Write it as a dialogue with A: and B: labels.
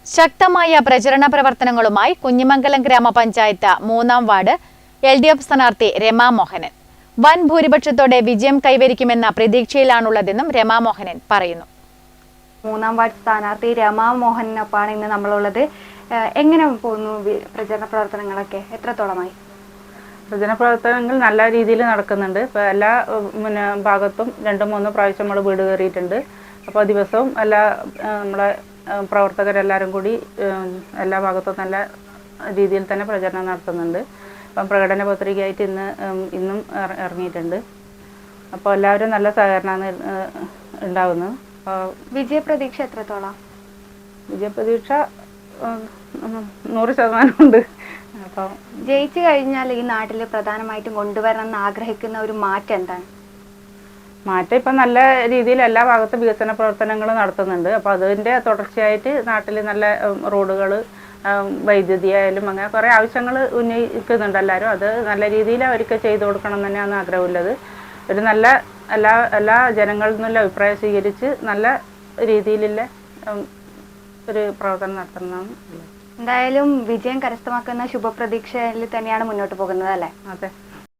A: ശക്തമായ പ്രചരണ പ്രവർത്തനങ്ങളുമായി കുഞ്ഞിമംഗലം ഗ്രാമപഞ്ചായത്ത് 3-ാം വാർഡ് LDF സ്ഥാനാർത്ഥി രമാ മോഹനൻ വൻ ഭൂരിപക്ഷത്തോടെ വിജയം കൈവരിക്കുമെന്ന പ്രതീക്ഷയിലാണുള്ളതെന്നും രമാ മോഹനൻ പറയുന്നു.
B: 3-ാം വാർഡ് സ്ഥാനാർത്ഥി രമാ മോഹനനൊപ്പമാണ് ഇന്ന് നമ്മളുള്ളത്. എങ്ങനെ പോകുന്നു പ്രചരണ പ്രവർത്തനങ്ങളൊക്കെ? എത്രത്തോളമായി?
C: പ്രചരണ പ്രവർത്തനങ്ങൾ നല്ല രീതിയിൽ നടക്കുന്നുണ്ട്. ഇപ്പോൾ എല്ലാ ഭാഗത്തും 2-3 പ്രാവശ്യം നമ്മൾ വീട് കയറിയിട്ടുണ്ട്. അപ്പോൾ ദിവസവും എല്ലാ നമ്മളെ പ്രവർത്തകരെല്ലാവരും കൂടി എല്ലാ ഭാഗത്തും നല്ല രീതിയിൽ തന്നെ പ്രചരണം നടത്തുന്നുണ്ട്. അപ്പം പ്രകടന പത്രികയായിട്ട് ഇന്നും ഇറങ്ങിയിട്ടുണ്ട്. അപ്പോൾ എല്ലാവരും നല്ല സഹകരണമാണ് ഉണ്ടാകുന്നത്.
B: വിജയപ്രതീക്ഷ എത്രത്തോളം?
C: വിജയപ്രതീക്ഷ 100% ഉണ്ട്. അപ്പോൾ
B: ജയിച്ചു കഴിഞ്ഞാൽ ഈ നാട്ടിൽ പ്രധാനമായിട്ടും കൊണ്ടുവരണം എന്ന് ആഗ്രഹിക്കുന്ന ഒരു മാറ്റം എന്താണ്?
C: മാറ്റം ഇപ്പം നല്ല രീതിയിൽ എല്ലാ ഭാഗത്തും വികസന പ്രവർത്തനങ്ങൾ നടത്തുന്നുണ്ട്. അപ്പോൾ അതിൻ്റെ തുടർച്ചയായിട്ട് നാട്ടിൽ നല്ല റോഡുകൾ, വൈദ്യുതി ആയാലും അങ്ങനെ കുറേ ആവശ്യങ്ങൾ ഉന്നയിക്കുന്നുണ്ട് എല്ലാവരും. അത് നല്ല രീതിയിൽ അവർക്ക് ചെയ്തു കൊടുക്കണം എന്ന് തന്നെയാണ് ആഗ്രഹമുള്ളത്. ഒരു നല്ല എല്ലാ ജനങ്ങളിൽ നിന്നുള്ള അഭിപ്രായം സ്വീകരിച്ച് നല്ല രീതിയിലുള്ള ഒരു പ്രവർത്തനം നടത്തണമെന്നാണ്.
B: എന്തായാലും വിജയം കരസ്ഥമാക്കുന്ന ശുഭപ്രതീക്ഷയിൽ തന്നെയാണ് മുന്നോട്ട് പോകുന്നത് അല്ലേ?
C: അതെ.